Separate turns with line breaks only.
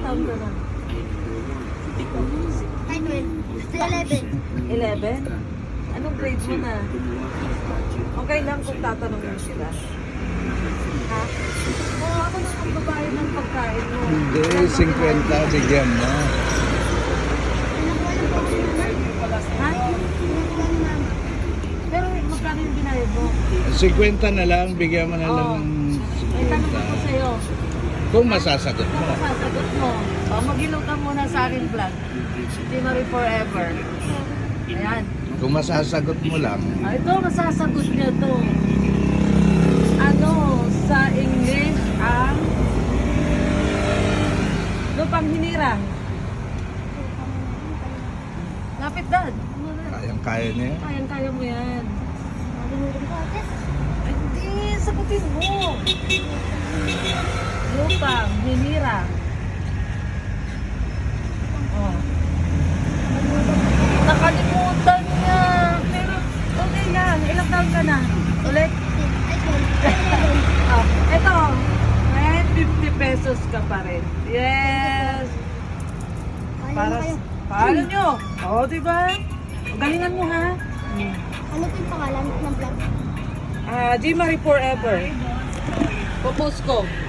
taon ka na?
Ay, 11.
11? Anong grade mo na? Okay lang kung tatanungin mo sila. Ha? Oo, ako na ang babae ng pagkain mo.
Hindi, 50 bigyan mo.
Ha? Pero magkano yung binayad mo?
50 na lang, bigyan mo na lang
Oo.
ng
May tanong ako
50.
sa'yo.
Kung masasagot
Kung
mo.
masasagot mo, mag-ilaw ka muna sa akin vlog. Di Marie Forever. Ayan.
Kung masasagot mo lang,
Ito, masasagot niya to. Ano, sa English ang lupang hinirang. Lapit, Dad.
kayang-kaya niya.
Kayang-kaya mo yan. Ay, hindi, sagutin mo. Lupang hinirang. Oh. Nakalimutan niya. Pero, okay lang. Ilang taon ka na? Ulit? Oh, eto. May 50 pesos ka pa rin. Yes. Para paano nyo? Oo, diba? Galingan mo, ha?
Ano po yung pangalan ng vlog?
G Marie Forever. Popost ko.